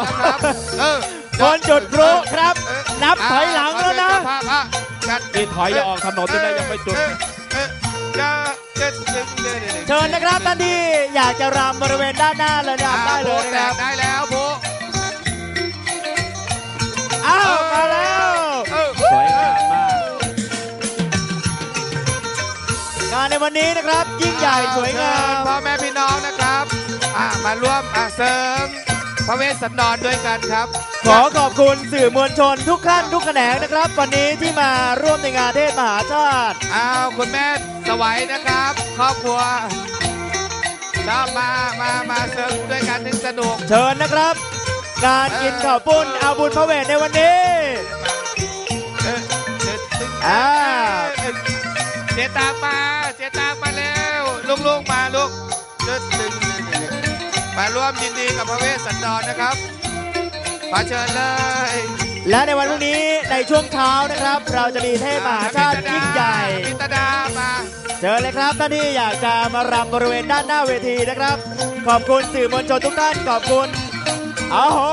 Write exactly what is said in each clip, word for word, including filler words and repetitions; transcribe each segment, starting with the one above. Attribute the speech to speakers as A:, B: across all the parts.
A: นะครับ
B: คนจุดพลุครับนับถอยหลังแล้วนะ
C: นี่ถอยจะออกถนนจะได้ยังไม่จุด
B: เชิญนะครับท่านที่อยากจะรำบริเวณด้านหน้าเลยรำได้เลยนะครับ
A: ได้แล้วโบ
B: อ้าวมาแล้ว
C: สวยงามมาก
B: งานในวันนี้นะครับยิ่งใหญ่สวยงาม
A: พ่อแม่พี่น้องนะครับมาร่วมเสริมพระเวสสันดรด้วยกันครับ
B: ขอขอบคุณสื่อมวลชนทุกขั้นทุกแขนงนะครับวันนี้ที่มาร่วมในงานเทศมหาชาติ
A: อ้าวคุณแม่สวัยนะครับครอบครัวชอบมามามาเสริมด้วยกันถึงสนุก
B: เชิญนะครับงานกินข้าวปุ้นเอาบุญพระเวทในวันนี้
A: อ่าเจตากมาเจตากมาแล้วลูกๆมาลูกมาร่วมยินดีกับพระเวสสันดรนะครับขอเชิญเลย
B: และในวันพรุ่งนี้ในช่วงเช้านะครับเราจะมีเทศมหาชาติยิ่งใหญ่
A: พิตดามา
B: เชิญเลยครับท่านที่อยากจะมารำบริเวณด้านหน้าเวทีนะครับขอบคุณสื่อมวลชนทุกท่านขอบคุณอ้โห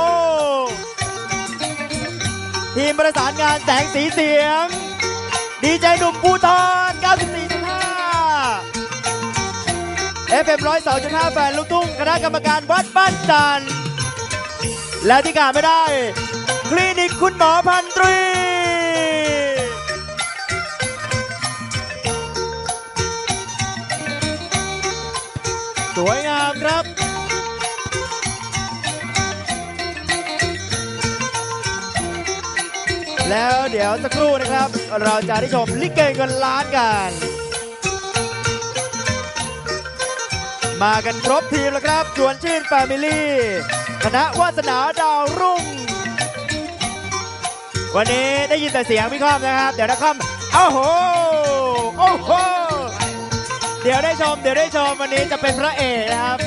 B: ทีมประสานงานแสงสีเสียงดีเจหนุ่มภูธร เก้าสิบสี่จุดห้า เอฟ เอ็ม หนึ่งร้อยสองจุดห้า แฟนลูกทุ่งคณะกรรมการวัดบ้านจันทร์และที่ขาดไม่ได้คลินิกคุณหมอพันตรีสวยงามครับแล้วเดี๋ยวสักครู่นะครับเราจะได้ชมลิเกเงินล้านกันมากันครบทีมแล้วครับชวนชื่นแฟมิลี่คณะวาสนาดาวรุ่งวันนี้ได้ยินแต่เสียงพี่ค่อมนะครับเดี๋ยวนะค่อมโอ้โหโอ้โหเดี๋ยวได้ชมเดี๋ยวได้ชมวันนี้จะเป็นพระเอกนะครับ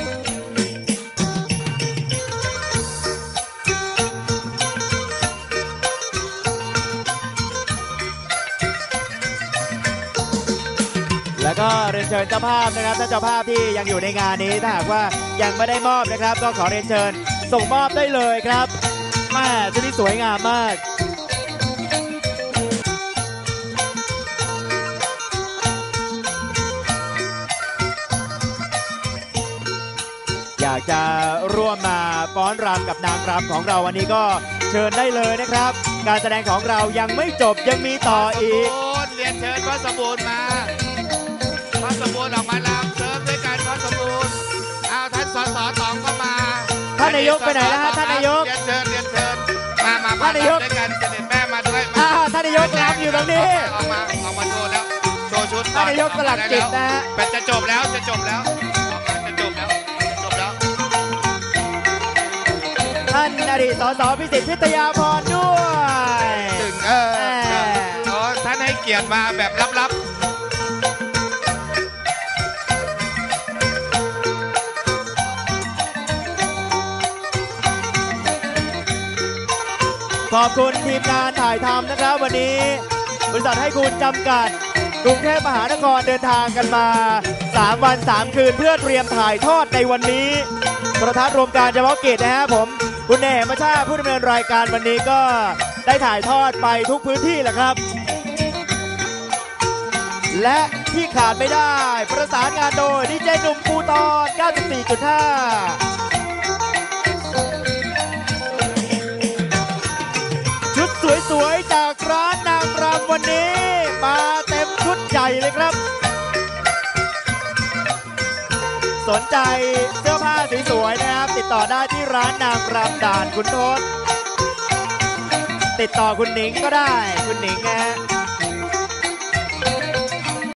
B: แล้วก็เรียนเชิญเจ้าภาพนะครับถ้าเจ้าภาพที่ยังอยู่ในงานนี้ถ้าหากว่ายังไม่ได้มอบนะครับก็ขอเรียนเชิญส่งมอบได้เลยครับแม่ชุดนี้สวยงามมากอยากจะร่วมมาฟ้อนรำกับนางรำของเราวันนี้ก็เชิญได้เลยนะครับการแสดงของเรายังไม่จบยังมีต่ออีก
A: เรียนเชิญพระสมบูรณ์มาพระสมบูรณ์ออกมาลำเสริมด้วยกันพระสมบูรณ์เอาท่านสสตองก็มา
B: ท่านนายกไปไหนแล้วฮะท่านนายก
A: เรียนเชิญเรียนเชิญมามาท่านนายกด้วยกันเสด็จแม่มาด้วย
B: ท่านนายกรำอยู่ตรงนี้
A: ออกมาออกมาโชว์แล้วโชว์ชุด
B: ท่านนายกสลักจิตนะฮะ
A: เป็นจะจบแล้วจะจบแล้วจะจบแล้วจบแล้ว
B: ท่านอดีตสสพิสิทธิ์พิทยาพรด้วย
A: ถึงเออท่านให้เกียรติมาแบบลับๆ
B: ขอบคุณทีมงานถ่ายทำนะครับวันนี้บริษัทให้คุณจำกัดกรุงเทพมหานครเดินทางกันมาสามวันสามคืนเพื่อเตรียมถ่ายทอดในวันนี้โทรทัศน์รวมการเฉพาะกิจนะฮะผมคุณเนมชาผู้ดำเนินรายการวันนี้ก็ได้ถ่ายทอดไปทุกพื้นที่แหละครับและที่ขาดไม่ได้ประสานงานโดยดีเจหนุ่มภูธร เก้าสิบสี่จุดห้าสวยๆจากร้านนางรำวันนี้มาเต็มชุดใหญ่เลยครับสนใจเสื้อผ้าสวยๆนะครับติดต่อได้ที่ร้านนางรำด่านคุณทศติดต่อคุณหนิงก็ได้คุณหนิงนะฮะ